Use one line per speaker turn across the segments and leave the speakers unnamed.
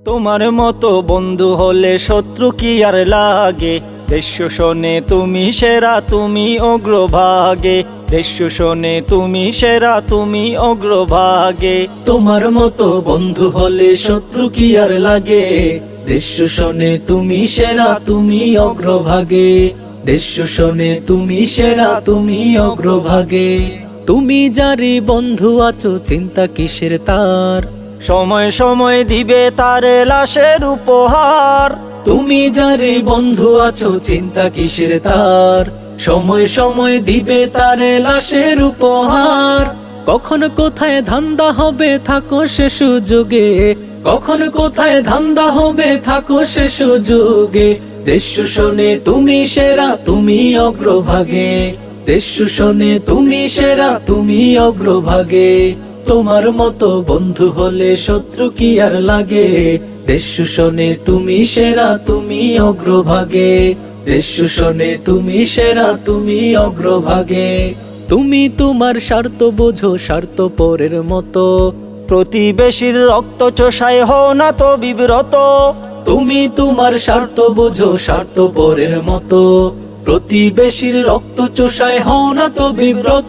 তোমার মতো বন্ধু হলে শত্রু কি আর লাগে। দেশ শোনে তুমি সেরা, তুমি অগ্রভাগে। দেশ শোনে তুমি সেরা, তুমি অগ্রভাগে।
তোমার মতো বন্ধু হলে শত্রু কি আর লাগে। দেশ শোনে তুমি সেরা, তুমি অগ্রভাগে। দেশ শোনে তুমি সেরা, তুমি অগ্রভাগে। তুমি যারি বন্ধু আছো, চিন্তা কিসের তার।
সময় সময় দিবে তারে লাশের উপহার।
তুমি যারে বন্ধু আছো, চিন্তা কিসের তার। সময় সময় দিবে তারে লাশের উপহার। কখন কোথায় ধান্দা হবে থাকো সে সুযোগে। কখন কোথায় ধান্দা হবে থাকো সে সুযোগে। দেশ শোনে তুমি সেরা, তুমি অগ্রভাগে। দেশ শোনে তুমি সেরা, তুমি অগ্রভাগে। তোমার মতো বন্ধু হলে শত্রু কি আর লাগে। দেশ শোনে তুমি সেরা, তুমি অগ্রভাগে। দেশ শোনে তুমি সেরা, তুমি অগ্রভাগে। তুমি তোমার স্বার্থ বোঝো, স্বার্থ পরের মতো।
প্রতিবেশীর রক্ত চোষায় হও না তো বিব্রত।
তুমি তোমার স্বার্থ বোঝো, স্বার্থ পরের মতো। প্রতিবেশীর রক্ত চোষায় হও না তো বিব্রত।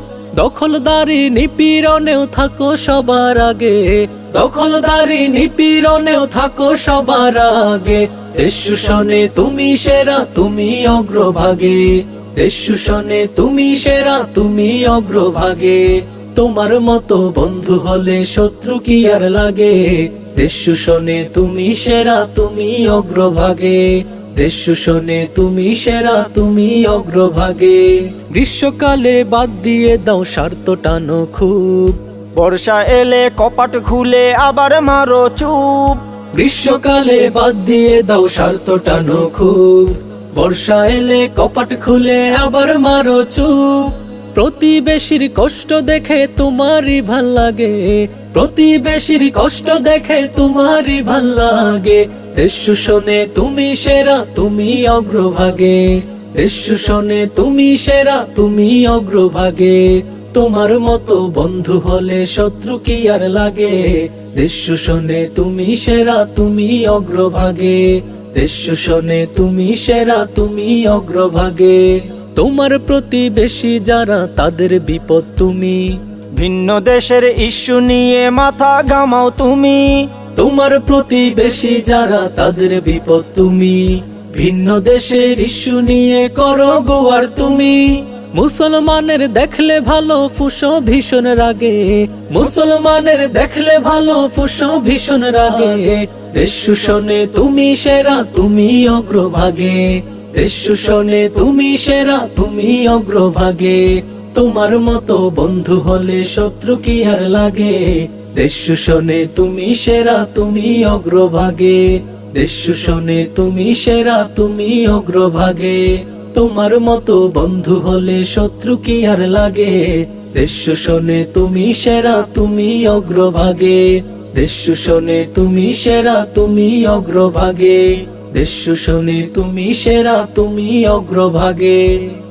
দখলদারি নিপীড়নেও থাকো সবার আগে। দখলদারি নিপীড়নেও থাকো সবার আগে। দেশ শোনে তুমি সেরা, তুমি অগ্রভাগে। দেশ শোনে তুমি সেরা, তুমি অগ্রভাগে। তোমার মতো বন্ধু হলে শত্রু কি আর লাগে। দেশ শোনে তুমি সেরা, তুমি অগ্রভাগে। দেশ শোনে তুমি সেরা, তুমি অগ্রভাগে। গ্রীষ্মকালে বাদ দিয়ে দাও স্বার্থ টানো খুব।
বর্ষা এলে কপাট খুলে আবার মারো চুপ।
গ্রীষ্মকালে বাদ দিয়ে দাও স্বার্থ টানো খুব। বর্ষা এলে কপাট খুলে আবার মারো চুপ। প্রতিবেশীর কষ্ট দেখে তোমারই ভাল লাগে। প্রতিবেশীর কষ্ট দেখে তোমারই ভাল লাগে। দেশ শোনে তুমি সেরা, তুমি অগ্রভাগে। দেশ শোনে তুমি সেরা, তুমি অগ্রভাগে। তোমার মতো বন্ধু হলে শত্রু কি আর লাগে। দেশ শোনে তুমি সেরা, তুমি অগ্রভাগে। দেশ শোনে তুমি সেরা, তুমি অগ্রভাগে। তোমার প্রতিবেশী যারা, তাদের বিপদ তুমি।
ভিন্ন দেশের ইস্যু নিয়ে মাথা ঘামাও তুমি।
তোমার প্রতিবেশী যারা, তাদের বিপদ তুমি। ভিন্ন দেশের ইস্যু নিয়ে করো গোয়ার তুমি। মুসলমানের দেখলে ভালো ফুসো ভীষণ রাগে। মুসলমানের দেখলে ভালো ফুসো ভীষণ রাগে। দেশ শোনে তুমি সেরা, তুমি অগ্রভাগে। দেশ শোনে তুমি সেরা, তুমি অগ্রভাগে। তোমার মতো বন্ধু হলে শত্রু কি আর লাগে। দেশ শোনে তুমি সেরা, তুমি অগ্রভাগে। দেশ শোনে তুমি সেরা, তুমি অগ্রভাগে। তোমার মতো বন্ধু হলে শত্রু কি আর লাগে। দেশ শোনে তুমি সেরা, তুমি অগ্রভাগে। দেশ শোনে তুমি সেরা, তুমি অগ্রভাগে। দেশ শোনে তুমি সেরা, তুমি অগ্রভাগে।